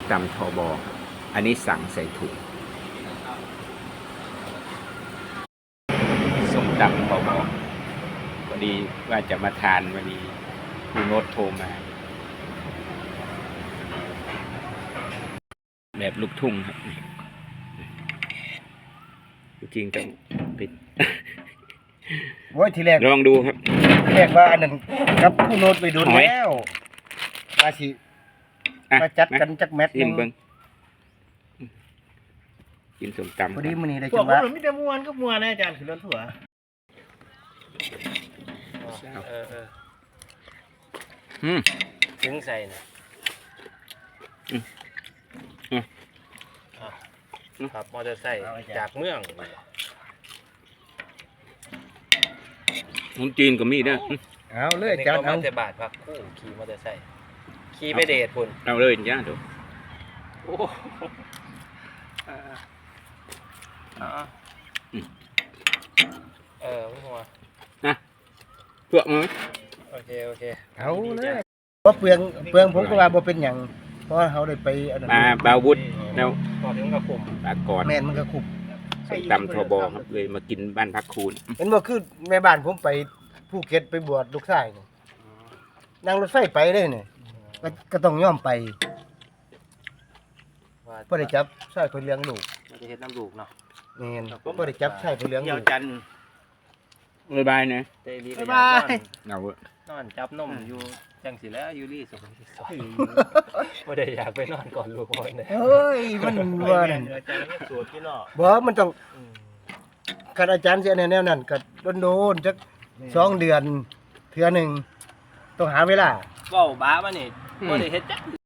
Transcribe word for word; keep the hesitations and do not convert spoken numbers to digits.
ตำทบอันนี้สั่งใส่ถุงส้มตำทบพอดีว่าจะมาทานวันนี้คุณโน้ตโทรมาแบบลูกทุ่งครับจริงต้องปิดโว้ยทีแรกลองดูครับแรกว่าอันนั้นกับคู่โน้ตไปดูแล้วมาสิมาจัดกันจักแมทนึงกินส้มตำพอดีมื้อนี้ได้จังหวะมีแต่ม่วนก็ม่วนนะอาจารย์คือรถถั่วเออเอออืมถึงใส่น่ะอืมอืมครับมอเตอร์ไซค์จากเมืองของจีนก็มีนะเอาเลยอาจารย์เอาแต่บาทพักคู่ขี่มอเตอร์ไซค์ขี่ไปเดทพุ่นเอาเลยจ้าดูโอ้เออไม่หัวนะเปลือกมั้ยโอเคโอเคเอาเลยเพราะเปลืองเปลืองผมก็ว่าบ่เป็นหยังเพราะเขาได้ไปอันนั้นปลาบาวุธแล้วก่อนถึงกระคุมปลากรแม่นมันก็คุบส้มตำทบครับเลยมากินบ้านพักคูณเห็นบ่คือแม่บ้านผมไปภูเก็ตไปบวชลูกชายนี่นั่งรถไฟไปเลยนี่ก็ต้องยอมไปเพื่อได้จับใช่เพื่อเลี้ยงลูกเราจะเห็นน้ำลูกเนาะนี่เพื่อได้จับใช่เพื่อเลี้ยงลูกจันบ๊ายบายนะบ๊ายบายเอานอนจับนมอยู่จังสิแล้วยูรี่สุขที่ซอยไม่ได้อยากไปนอนก่อนลูกคนเลยเฮ้ยมันว่าอาจารย์ไม่สูตรที่เนาะบ่มันต้องคันอาจารย์เสียแนวนั้นก็โดนๆจักสองเดือนเทื่อนึงต้องหาเวลาเว้าบ้ามานี่บ่ได้เฮ็ดจัก